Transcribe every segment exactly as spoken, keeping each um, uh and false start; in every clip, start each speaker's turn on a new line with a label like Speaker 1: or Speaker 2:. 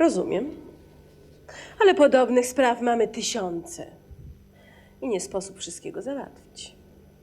Speaker 1: Rozumiem. Ale podobnych spraw mamy tysiące. I nie sposób wszystkiego załatwić.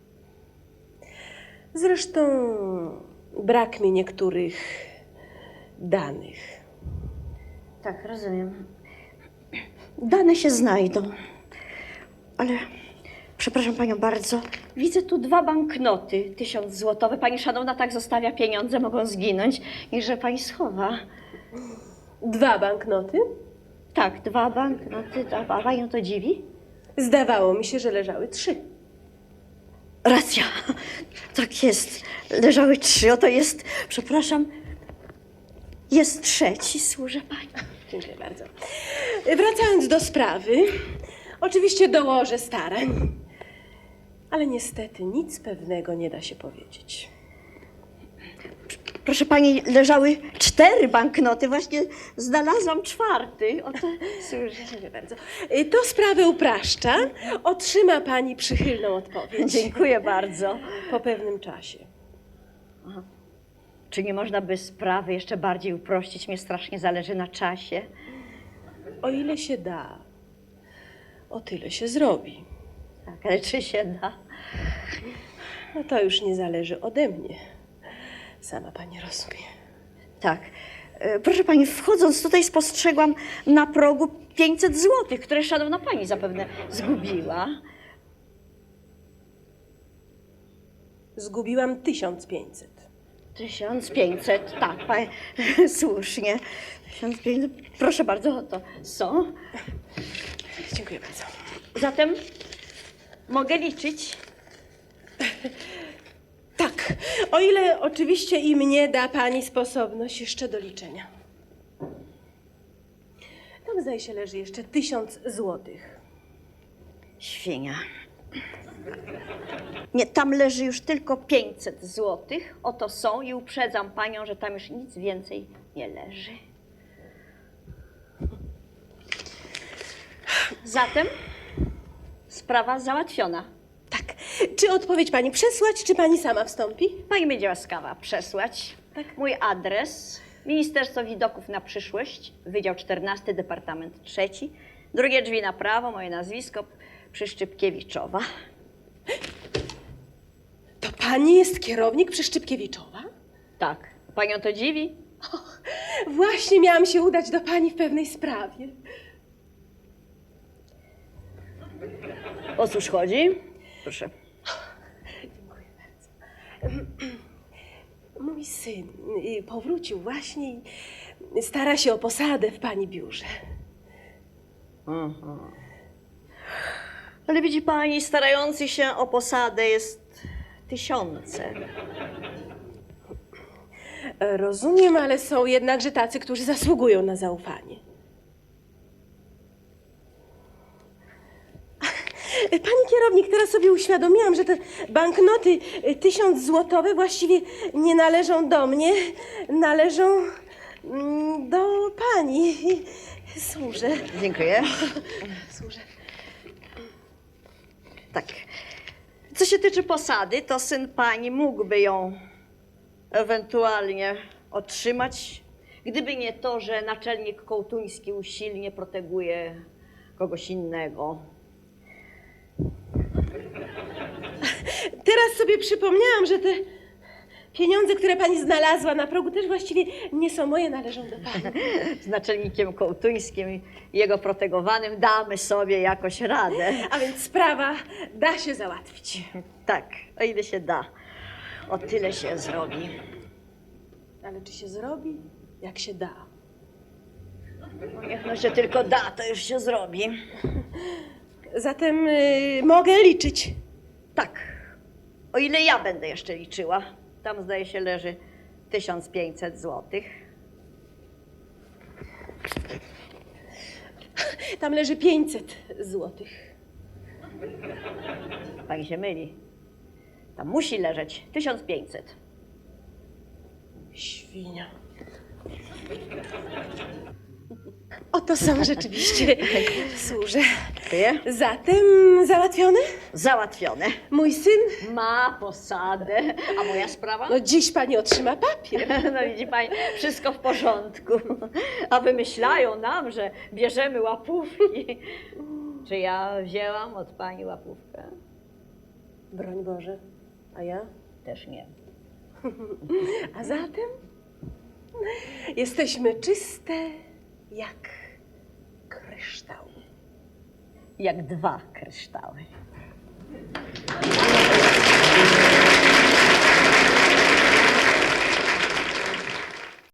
Speaker 1: Zresztą brak mi niektórych danych.
Speaker 2: Tak, rozumiem. Dane się znajdą. Ale, przepraszam panią bardzo, widzę tu dwa banknoty, tysiąc złotowe. Pani szanowna tak zostawia pieniądze, mogą zginąć i że pani schowa.
Speaker 1: Dwa banknoty?
Speaker 2: Tak, dwa banknoty, a panią to dziwi?
Speaker 1: Zdawało mi się, że leżały trzy.
Speaker 2: Racja, tak jest. Leżały trzy, oto jest, przepraszam, jest trzeci, służę pani.
Speaker 1: Dziękuję bardzo. Wracając do sprawy, oczywiście dołożę starań, ale niestety nic pewnego nie da się powiedzieć.
Speaker 2: Proszę pani, leżały cztery banknoty, właśnie znalazłam czwarty. Oto, służę.
Speaker 1: Dziękuję bardzo. To sprawę upraszcza. Otrzyma pani przychylną odpowiedź.
Speaker 2: Dziękuję bardzo.
Speaker 1: Po pewnym czasie.
Speaker 2: Czy nie można by sprawy jeszcze bardziej uprościć? Mnie strasznie zależy na czasie.
Speaker 1: O ile się da, o tyle się zrobi.
Speaker 2: Tak, ale czy się da?
Speaker 1: No to już nie zależy ode mnie. Sama pani rozumie.
Speaker 2: Tak. E, Proszę pani, wchodząc tutaj spostrzegłam na progu pięćset złotych, które szanowna pani zapewne zgubiła.
Speaker 1: Zgubiłam tysiąc pięćset.
Speaker 2: Tysiąc pięćset, tak, pani, słusznie. Tysiąc pięćset, proszę bardzo, to są.
Speaker 1: Dziękuję bardzo.
Speaker 2: Zatem mogę liczyć.
Speaker 1: Tak, o ile oczywiście i mnie da pani sposobność jeszcze do liczenia. Tam zdaje się leży jeszcze tysiąc złotych.
Speaker 2: Świnia. Nie, tam leży już tylko pięćset złotych. Oto są i uprzedzam panią, że tam już nic więcej nie leży. Zatem sprawa załatwiona.
Speaker 1: Tak. Czy odpowiedź pani przesłać, czy pani sama wstąpi?
Speaker 2: Pani będzie łaskawa przesłać.
Speaker 1: Tak.
Speaker 2: Mój adres. Ministerstwo Widoków na Przyszłość, Wydział czternasty, Departament trzeci. Drugie drzwi na prawo, moje nazwisko Przyszczypkiewiczowa.
Speaker 1: To pani jest kierownik Przyszczypkiewiczowa?
Speaker 2: Tak. Panią to dziwi?
Speaker 1: Och, właśnie miałam się udać do pani w pewnej sprawie.
Speaker 2: O cóż chodzi? Proszę.
Speaker 1: Dziękuję bardzo. Mój syn y, powrócił właśnie i stara się o posadę w pani biurze.
Speaker 2: Aha. Ale widzi pani, starających się o posadę jest tysiące.
Speaker 1: Rozumiem, ale są jednakże tacy, którzy zasługują na zaufanie. Pani kierownik, teraz sobie uświadomiłam, że te banknoty y, tysiąc złotowe właściwie nie należą do mnie, należą mm, do pani. Służę.
Speaker 2: Dziękuję.
Speaker 1: Służę.
Speaker 2: Tak. Co się tyczy posady, to syn pani mógłby ją ewentualnie otrzymać, gdyby nie to, że naczelnik kołtuński usilnie proteguje kogoś innego.
Speaker 1: Teraz sobie przypomniałam, że te pieniądze, które pani znalazła na progu, też właściwie nie są moje, należą do pani.
Speaker 2: Z naczelnikiem kołtuńskim i jego protegowanym damy sobie jakoś radę.
Speaker 1: A więc sprawa da się załatwić.
Speaker 2: Tak, o ile się da, o tyle się zrobi.
Speaker 1: Ale czy się zrobi? Jak się da.
Speaker 2: No niech no się tylko da, to już się zrobi.
Speaker 1: Zatem y, mogę liczyć.
Speaker 2: Tak, o ile ja będę jeszcze liczyła. Tam zdaje się leży tysiąc pięćset złotych.
Speaker 1: Tam leży pięćset złotych.
Speaker 2: Pani się myli. Tam musi leżeć tysiąc pięćset.
Speaker 1: Świnia. Oto są rzeczywiście. Służę.
Speaker 2: Dziękuję.
Speaker 1: Zatem załatwione?
Speaker 2: Załatwione.
Speaker 1: Mój syn?
Speaker 2: Ma posadę. A moja sprawa?
Speaker 1: No dziś pani otrzyma papier.
Speaker 2: No widzi pani, wszystko w porządku. A wymyślają nam, że bierzemy łapówki. Czy ja wzięłam od pani łapówkę?
Speaker 1: Broń Boże. A ja?
Speaker 2: Też nie.
Speaker 1: A zatem jesteśmy czyste jak kryształ.
Speaker 2: Jak dwa kryształy.